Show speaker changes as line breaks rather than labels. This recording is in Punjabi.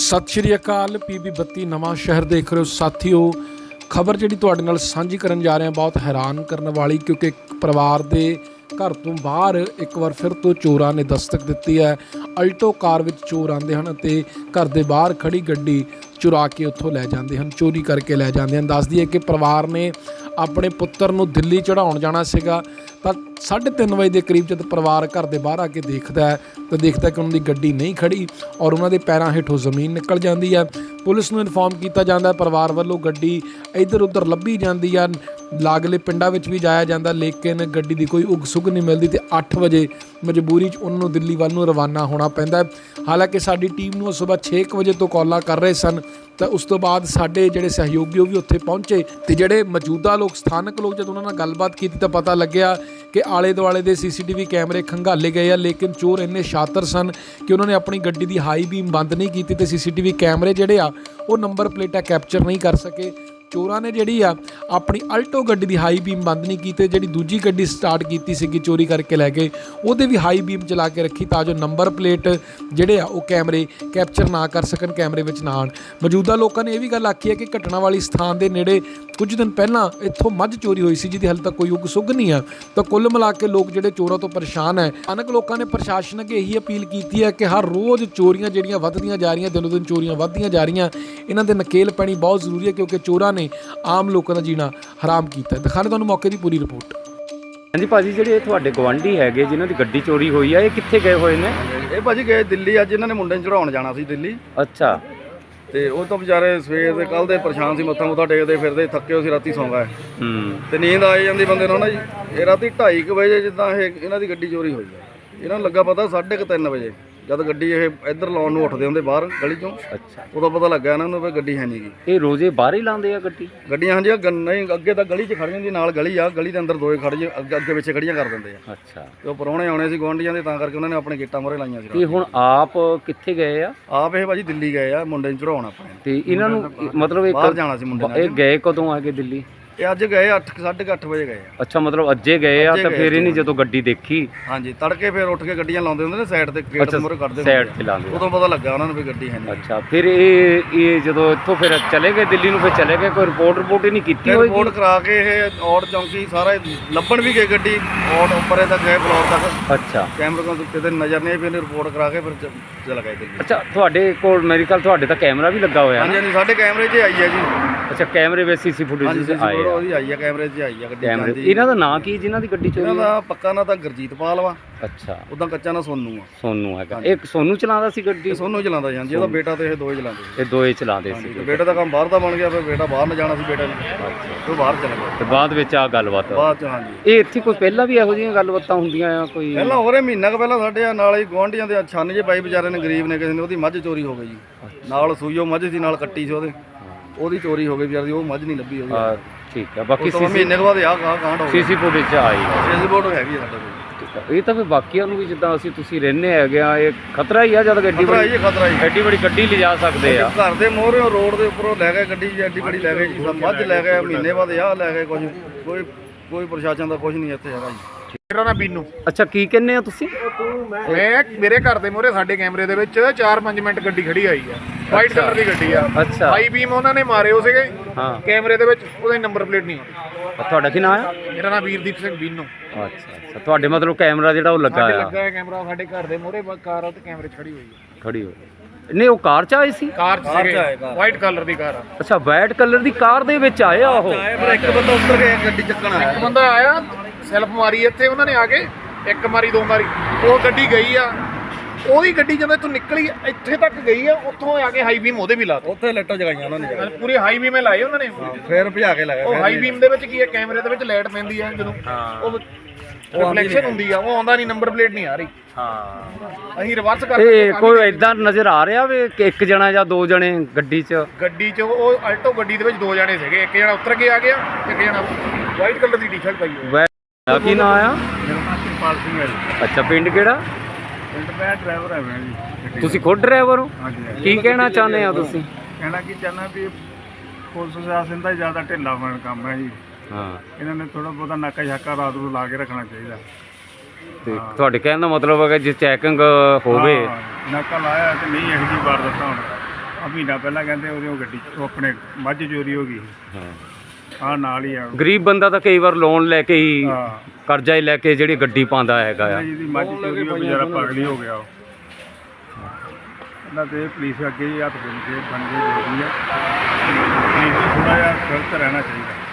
सत श्री अकाल। PB 32 नवां शहर देख रहे हो साथियों। खबर जी तुहाडे नाल सांझी करन जा रहे हैं बहुत हैरान करने वाली, क्योंकि परिवार के घर तो बाहर एक बार फिर तो चोरां ने दस्तक दी है। अल्टो कार में चोर आते हैं तो घर के बाहर खड़ी गड्डी चुरा के उत्थों लै जाते हैं, चोरी करके लै जाते हैं। दस दिए कि परिवार ने अपने पुत्र नूं दिल्ली चढ़ाउण जाना सीगा, पर 3:30 बजे के करीब जब परिवार घर के बाहर आके देखता है तो देखता कि उन्होंने गड्डी नहीं खड़ी और उन्होंने पैरों हेठों जमीन निकल जाती है। पुलिस नूं इन्फॉर्म किया जाता है, परिवार वालों गड्डी इधर उधर लभी जाती है, लागले पिंडां विच भी जाया जाता, लेकिन गड्डी की कोई उग सुग नहीं मिलती। तो 8 बजे मजबूरी उन्होंने दिल्ली वाल नूं रवाना होना पैंदा है। हालांकि साडी टीम नूं सुबह 6 बजे तो कॉलां कर रहे सन, तो उस तो बाद साडे जिहड़े सहयोगी भी उत्थे पहुंचे तो जिहड़े मौजूदा लोग स्थानक लोग जब उन्होंने गलबात की तो पता लग्या कि आले दुआले के CCTV कैमरे खंगाले गए हैं, लेकिन चोर इन्ने शातर सन कि उन्होंने अपनी गड्डी की हाई बीम बंद नहीं की तो CCTV कैमरे जिहड़े आ वो नंबर प्लेटां कैप्चर नहीं कर सके। चोरां ने जिहड़ी आ अपनी अल्टो गड्डी की हाई बीम बंद नहीं की, जिहड़ी दूजी गड्डी स्टार्ट की सी चोरी करके लै गए उहदे भी हाई बीम चला के रखी तां जो नंबर प्लेट जिहड़े आ वो कैमरे कैप्चर ना कर सकन, कैमरे विच ना आउण। मौजूदा लोगों ने यह भी गल आखी है कि घटना वाली स्थान के नेड़े कुछ दिन पहलां इत्थों मੱਝ चोरी हुई सी जिहदी हाले तक कोई उग सुग नहीं है। तो कुल मिला के लोग जिहड़े चोरों तो परेशान है। अनेक लोगों ने प्रशासन अगे यही अपील की है कि हर रोज़ चोरियां जिहड़ियां वधदियां जा रही, दिनों दिन चोरियां वधदियां जा रही, इन्हां दे नकेल पैणी बहुत जरूरी है, क्योंकि चोरां ने आम लोगों का जीना हराम किया। दिखाने तुहानूं मौके की पूरी रिपोर्ट।
हाँ जी भाजी, ਜਿਹੜੇ ਤੁਹਾਡੇ ਗਵਾਂਢੀ ਹੈਗੇ ਜਿਨ੍ਹਾਂ ਦੀ ਗੱਡੀ ਚੋਰੀ ਹੋਈ ਆ, ਇਹ ਕਿੱਥੇ ਗਏ ਹੋਏ ਨੇ?
ਇਹ ਭਾਜੀ ਗਏ ਦਿੱਲੀ। ਅੱਜ ਇਹਨਾਂ ਨੇ ਮੁੰਡੇ ਨੂੰ ਚੜਾਉਣ ਜਾਣਾ ਸੀ ਦਿੱਲੀ।
ਅੱਛਾ।
ਤੇ ਉਹ ਤਾਂ ਵਿਚਾਰੇ ਸਵੇਰ ਦੇ ਕੱਲ ਦੇ ਪਰੇਸ਼ਾਨ ਸੀ, ਮੱਥਾ ਮੁੱਥਾ ਟੇਕਦੇ ਫਿਰਦੇ ਥੱਕੇ ਹੋ ਸੀ, ਰਾਤੀ ਸੌਂ ਗਏ। ਤੇ ਨੀਂਦ ਆ ਜਾਂਦੀ ਬੰਦੇ ਨੂੰ ਨਾ ਜੀ। ਇਹ ਰਾਤੀ 2:30 ਵਜੇ ਜਿੱਦਾਂ ਇਹ ਇਹਨਾਂ ਦੀ ਗੱਡੀ ਚੋਰੀ ਹੋਈ ਹੈ, ਇਹਨਾਂ ਨੂੰ ਲੱਗਾ ਪਤਾ 3:30 ਵਜੇ ਜਦ ਗੱਡੀ ਇਹ ਇੱਧਰ ਲਾਉਣ ਨੂੰ ਉੱਠਦੇ ਹੁੰਦੇ ਬਾਹਰ ਗਲੀ ਚੋਂ। ਅੱਛਾ। ਉਦੋਂ ਪਤਾ ਲੱਗਾ ਇਹਨਾਂ ਨੂੰ ਵੀ ਗੱਡੀ ਹੈ ਨਹੀਂ ਗੀ।
ਇਹ ਰੋਜ਼ੇ ਬਾਹਰ ਹੀ ਲਾਉਂਦੇ ਆ ਗੱਡੀਆਂ? ਹਾਂਜੀ,
ਨਹੀਂ ਅੱਗੇ ਤਾਂ ਗਲੀ 'ਚ ਖੜ ਜਾਂਦੀ, ਨਾਲ ਗਲੀ ਆ, ਗਲੀ ਦੇ ਅੰਦਰ ਦੋਏ ਖੜ ਜੇ ਅੱਗੇ ਪਿੱਛੇ ਖੜੀਆਂ ਕਰ ਦਿੰਦੇ ਆ।
ਅੱਛਾ। ਤੇ
ਉਹ ਪਰੌਣੇ ਆਉਣੇ ਸੀ ਗੁਆਂਢੀਆਂ ਦੇ, ਤਾਂ ਕਰਕੇ ਉਹਨਾਂ ਨੇ ਆਪਣੇ ਗੇਟਾਂ ਮੂਹਰੇ ਲਾਈਆਂ ਸੀ।
ਤੇ ਹੁਣ ਆਪ ਕਿੱਥੇ ਗਏ ਆ?
ਆਪ ਇਹ ਭਾਜੀ ਦਿੱਲੀ ਗਏ ਆ ਮੁੰਡੇ ਨੂੰ ਚੜਾਉਣ ਆਪਣੇ।
ਤੇ ਇਹਨਾਂ ਨੂੰ ਮਤਲਬ
ਬਾਹਰ ਜਾਣਾ ਸੀ ਮੁੰਡੇ ਨੇ।
ਇਹ ਗਏ ਕਦੋਂ ਆ ਕੇ ਦਿੱਲੀ?
ਇਹ ਅੱਜ ਗਏ 8:30 ਵਜੇ ਗਏ ਆ।
ਅੱਛਾ, ਮਤਲਬ ਅੱਜੇ ਗਏ ਆ ਤਾਂ ਫਿਰ ਇਹਨੇ ਜਦੋਂ ਗੱਡੀ ਦੇਖੀ?
ਹਾਂਜੀ, ਤੜਕੇ ਫਿਰ ਉੱਠ ਕੇ ਗੱਡੀਆਂ ਲਾਉਂਦੇ ਹੁੰਦੇ ਨੇ ਸਾਈਡ ਤੇ, ਗੇਟ ਦੇ ਮੂਹਰੇ ਕੱਢਦੇ ਹੁੰਦੇ,
ਸਾਈਡ ਤੇ ਲਾਉਂਦੇ,
ਉਦੋਂ ਪਤਾ ਲੱਗਾ ਉਹਨਾਂ ਨੂੰ ਵੀ ਗੱਡੀ ਹੈ ਨਹੀਂ।
ਅੱਛਾ, ਫਿਰ ਇਹ ਜਦੋਂ ਇੱਥੋਂ ਫਿਰ ਚਲੇ ਗਏ ਦਿੱਲੀ ਨੂੰ, ਫਿਰ ਚਲੇ ਗਏ, ਕੋਈ ਰਿਪੋਰਟ ਹੀ ਨਹੀਂ ਕੀਤੀ ਹੋਈ?
ਰਿਪੋਰਟ ਕਰਾ ਕੇ ਇਹ ਔੜ ਚੌਂਕੀ ਸਾਰਾ ਲੱਭਣ ਵੀ ਗਏ ਗੱਡੀ, ਔੜ ਉੱਪਰੇ ਤੱਕ ਗਏ, ਫਲੋਰ ਤੱਕ। ਅੱਛਾ। ਕੈਮਰੇ ਕੋਲ ਕਿਤੇ ਨਜ਼ਰ ਨਹੀਂ, ਫਿਰ ਰਿਪੋਰਟ ਕਰਾ ਕੇ ਫਿਰ ਚਲਾ ਗਏ ਦਿੱਲੀ।
ਅੱਛਾ, ਤੁਹਾਡੇ ਕੋਲ ਮੇਰੇ ਖਿਆਲ ਤੁਹਾਡੇ ਤਾਂ ਕੈਮਰਾ ਵੀ ਲੱਗਾ ਹੋਇਆ?
ਹਾਂਜੀ ਹਾਂਜੀ, ਸਾਡੇ ਕੈਮਰੇ 'ਚ ਆਈ ਹੈ ਜੀ।
ਅੱਛਾ, ਕੈਮਰੇ ਵਿੱਚ CC ਫੁਟੇਜ ਆਈ
ਆ, ਕੈਮਰੇ 'ਚ ਆਈ ਆ ਗੱਡੀ।
ਇਹਨਾਂ ਦਾ ਨਾਂ ਕੀ ਜਿਨ੍ਹਾਂ ਦੀ ਗੱਡੀ ਚੋਰੀ?
ਇਹਨਾਂ ਦਾ ਪੱਕਾ ਨਾਂ ਤਾਂ ਗੁਰਜੀਤ ਪਾਲ ਵਾ।
ਅੱਛਾ।
ਉਦਾਂ ਕੱਚਾ ਨਾਂ ਸੋਨੂ ਆ।
ਸੋਨੂ ਹੈਗਾ। ਇਹ ਸੋਨੂ ਚਲਾਉਂਦਾ ਸੀ ਗੱਡੀ?
ਸੋਨੂ ਚਲਾਉਂਦਾ ਜੀ। ਇਹਦਾ ਬੇਟਾ ਤੇ ਇਹ ਦੋਏ ਚਲਾਉਂਦੇ।
ਇਹ ਦੋਏ ਚਲਾਉਂਦੇ ਸੀ।
ਬੇਟੇ ਦਾ ਕੰਮ ਬਾਹਰ ਦਾ ਬਣ ਗਿਆ, ਫਿਰ ਬੇਟਾ ਬਾਹਰ ਨਾ ਜਾਣਾ ਸੀ ਬੇਟਾ ਨੇ, ਉਹ ਬਾਹਰ ਚਲਾ ਗਿਆ।
ਤੇ ਬਾਅਦ ਵਿੱਚ ਆ ਗੱਲਬਾਤ
ਬਾਅਦ 'ਚ? ਹਾਂਜੀ।
ਇਹ ਇੱਥੇ ਕੋਈ ਪਹਿਲਾਂ ਵੀ ਇਹੋ ਜਿਹੀਆਂ ਗੱਲਬਾਤਾਂ ਹੁੰਦੀਆਂ ਆ ਕੋਈ?
ਪਹਿਲਾਂ ਹੋਰੇ ਮਹੀਨਾ ਕੁ ਪਹਿਲਾਂ ਸਾਡੇ ਨਾਲ ਹੀ ਗੁਆਂਢੀਆਂ ਦੇ ਛੰਨ ਜੇ ਪਾਈ ਵਿਚਾਰੇ ਨੇ, ਗਰੀਬ ਨੇ, ਕਿਸੇ ਨੇ ਉਹਦੀ ਮੱਝ ਚੋਰੀ ਹੋ ਗਈ ਜੀ। ਨਾਲ ਸੂਈਓ ਮੱਝ ਸੀ, ਨਾਲ ਕੱਟੀ ਸੀ ਉਹਦੀ ਚੋਰੀ ਹੋ ਗਈ ਵਿਚਾਰੇ ਦੀ, ਉਹ ਮੱਝ ਨਹੀਂ ਲੱਭੀ ਹੋਈ।
ਠੀਕ ਆ। ਬਾਕੀ
ਮਹੀਨੇ ਤੋਂ ਬਾਅਦ ਕਾਂਡ ਹੋ ਗਿਆ।
CC ਫੁਟੇਜ ਆਈ?
CC ਫੋਟੋ ਹੈਗੀ ਆ ਸਾਡੇ ਕੋਲ।
ਠੀਕ ਆ। ਇਹ ਤਾਂ ਫਿਰ ਬਾਕੀਆਂ ਨੂੰ ਵੀ ਜਿੱਦਾਂ ਤੁਸੀਂ ਰਹਿੰਦੇ ਹੈਗੇ ਆ, ਇਹ ਖਤਰਾ ਹੀ ਆ ਜਦ ਗੱਡੀ ਬੜੀ
ਖਤਰਾ ਹੀ
ਐਡੀ ਬੜੀ ਗੱਡੀ ਲਿਜਾ ਸਕਦੇ ਆ।
ਘਰ ਦੇ ਮੋਹਰੇ ਰੋਡ ਦੇ ਉੱਪਰੋਂ ਲੈ ਗਏ ਗੱਡੀ, ਐਡੀ ਬੜੀ ਲੈ ਗਏ ਜੀ, ਮੱਝ ਲੈ ਗਏ, ਮਹੀਨੇ ਬਾਅਦ ਆਹ ਲੈ ਗਏ। ਕੋਈ ਪ੍ਰਸ਼ਾਸਨ ਦਾ ਕੁਝ ਨਹੀਂ ਇੱਥੇ ਹੈਗਾ ਜੀ।
ਮੇਰਾ ਨਾਮ ਬੀਨੂ।
ਅੱਛਾ, ਕੀ ਕਹਿੰਦੇ ਆ ਤੁਸੀਂ?
ਮੈਂ ਮੇਰੇ ਘਰ ਦੇ ਮੂਹਰੇ ਸਾਡੇ ਕੈਮਰੇ ਦੇ ਵਿੱਚ 4-5 ਮਿੰਟ ਗੱਡੀ ਖੜੀ ਆਈ ਆ, ਵਾਈਟ ਕਲਰ ਦੀ ਗੱਡੀ ਆ।
ਅੱਛਾ।
ਹਾਈ ਬੀਮ ਉਹਨਾਂ ਨੇ ਮਾਰੇ ਹੋ ਸੀਗੇ ਕੈਮਰੇ ਦੇ ਵਿੱਚ, ਉਹਦਾ ਨੰਬਰ ਪਲੇਟ ਨਹੀਂ ਆਉਂਦੀ।
ਤੁਹਾਡਾ ਕੀ ਨਾਮ ਆ?
ਮੇਰਾ ਨਾਮ ਵੀਰਦੀਪ ਸਿੰਘ ਬੀਨੂ।
ਅੱਛਾ। ਤੁਹਾਡੇ ਮਤਲਬ ਕੈਮਰਾ ਜਿਹੜਾ ਉਹ ਲੱਗਾ ਆ?
ਲੱਗਾ ਹੈ ਕੈਮਰਾ ਸਾਡੇ ਘਰ ਦੇ ਮੂਹਰੇ, ਕਾਰ ਆ ਤੇ ਕੈਮਰੇ 'ਚ ਖੜੀ ਹੋਈ ਹੈ।
ਖੜੀ ਹੋਈ ਨਹੀਂ, ਉਹ ਕਾਰ 'ਚ ਆਏ ਸੀ?
ਕਾਰ 'ਚ ਸੀਗੇ, ਵਾਈਟ ਕਲਰ ਦੀ ਕਾਰ ਆ।
ਅੱਛਾ, ਵਾਈਟ ਕਲਰ ਦੀ ਕਾਰ ਦੇ ਵਿੱਚ ਆਏ ਆ ਉਹ?
ਇੱਕ ਬੰਦਾ ਉੱਤਰ ਗਿਆ, ਗੱਡੀ ਚੱਕਣ ਆਇਆ।
ਇੱਕ ਬੰਦਾ ਆਇਆ, ਸੈਲਫ ਮਾਰੀ ਇੱਥੇ ਉਹਨਾਂ ਨੇ ਆ ਕੇ, ਇੱਕ ਮਾਰੀ 2 ਮਾਰੀ, ਉਹ ਗੱਡੀ ਗਈ ਆ। ਉਹਦੀ ਗੱਡੀ ਜਦੋਂ ਇੱਥੋਂ ਨਿਕਲੀ ਇੱਥੇ ਤੱਕ ਗਈ ਆ, ਉੱਥੋਂ ਆ ਕੇ ਹਾਈ ਬੀਮ ਉਹਦੇ ਵੀ ਲਾ ਦਿੱਤੀ।
ਉੱਥੇ ਲਾਈਟਾਂ ਜਗਾਈਆਂ ਉਹਨਾਂ ਨੇ,
ਪੂਰੇ ਹਾਈ ਬੀਮੇ ਲਾਏ ਉਹਨਾਂ ਨੇ,
ਫਿਰ ਭਜਾ ਕੇ ਲਾਇਆ।
ਉਹ ਹਾਈ ਬੀਮ ਦੇ ਵਿੱਚ ਕੀ ਹੈ, ਕੈਮਰੇ ਦੇ ਵਿੱਚ ਲਾਈਟ ਪੈਂਦੀ ਆ, ਜਦੋਂ ਉਹ ਰਿਫਲੈਕਸ਼ਨ ਹੁੰਦੀ ਆ, ਉਹ ਆਉਂਦਾ ਨਹੀਂ, ਨੰਬਰ ਪਲੇਟ ਨਹੀਂ ਆ ਰਹੀ। ਹਾਂ, ਅਸੀਂ ਰਿਵਰਸ ਕਰਕੇ
ਕੋਈ ਇਦਾਂ ਨਜ਼ਰ ਆ ਰਿਹਾ ਵੀ ਕਿ ਇੱਕ ਜਣਾ ਜਾਂ 2 ਜਣੇ ਗੱਡੀ 'ਚ?
ਉਹ ਅਲਟੋ ਗੱਡੀ ਦੇ ਵਿੱਚ 2 ਜਣੇ ਸੀਗੇ, ਇੱਕ ਜਣਾ ਉੱਤਰ ਕੇ ਆ ਗਿਆ, ਇੱਕ ਜਣਾ ਵਾਈਟ ਕਲਰ ਦੀ ਟੀ-ਸ਼ਰਟ ਪਾਈ ਹੋਈ।
ਕੀ ਨਾਮ ਆ?
ਕਿਰਪਾਲ ਸਿੰਘ ਹੈ ਜੀ।
ਅੱਛਾ, ਪਿੰਡ ਕਿਹੜਾ?
ਪਿੰਡ ਮੈਂ ਡਰਾਈਵਰ ਹੈ ਮੈਂ ਜੀ।
ਤੁਸੀਂ ਖੁਦ ਡਰਾਈਵਰ ਹੋ?
ਹਾਂਜੀ।
ਕੀ ਕਹਿਣਾ ਚਾਹੁੰਦੇ ਆ ਤੁਸੀਂ?
ਕਹਿਣਾ ਕੀ ਚਾਹੁੰਦਾ ਵੀ ਪੁਲਿਸ ਪ੍ਰਸ਼ਾਸਨ ਦਾ ਜ਼ਿਆਦਾ ਢਿੱਲਾ ਬਣ ਕੰਮ ਹੈ ਜੀ।
ਹਾਂ,
ਇਹਨਾਂ ਨੇ ਥੋੜਾ ਬਹੁਤਾ ਨਾਕਾ ਛਾਕਾ ਰਾਤ ਨੂੰ ਲਾ ਕੇ ਰੱਖਣਾ ਚਾਹੀਦਾ।
ਤੇ ਤੁਹਾਡੇ ਕਹਿਣ ਦਾ ਮਤਲਬ ਹੈ ਕਿ ਜੇ ਚੈਕਿੰਗ ਹੋਵੇ?
ਨਾਕਾ ਲਾਇਆ ਤੇ ਨਹੀਂ ਇਹੋ ਜਿਹੀ ਵਾਰਦਾਤਾਂ ਹੁਣ
ਮਹੀਨਾ ਪਹਿਲਾਂ ਕਹਿੰਦੇ ਉਹਦੇ ਉਹ ਗੱਡੀ ਉਹ ਆਪਣੇ ਮੱਝ ਚੋਰੀ ਹੋ ਗਈ
ਹਾਂ
ਨਾਲ ਹੀ ਆ
ਗਰੀਬ ਬੰਦਾ ਤਾਂ ਕਈ ਵਾਰ ਲੋਨ ਲੈ ਕੇ ਹੀ
ਹਾਂ
ਕਰਜ਼ਾ ਹੀ ਲੈ ਕੇ ਜਿਹੜੀ ਗੱਡੀ ਪਾਉਂਦਾ ਹੈਗਾ ਆ
ਜਿਹਦੀ ਮੱਝ ਚੋਰੀ ਹੋ ਵਿਚਾਰਾ ਪਾਗਲ ਹੀ ਹੋ ਗਿਆ ਉਹ ਇਹਨਾਂ ਤੇ ਪੁਲਿਸ ਅੱਗੇ ਹੀ ਹੱਥ ਬਣ ਕੇ ਜ਼ਰੂਰੀ ਆ ਪੁਲਿਸ ਨੂੰ ਥੋੜ੍ਹਾ ਜਿਹਾ ਸਖਤ ਰਹਿਣਾ ਚਾਹੀਦਾ।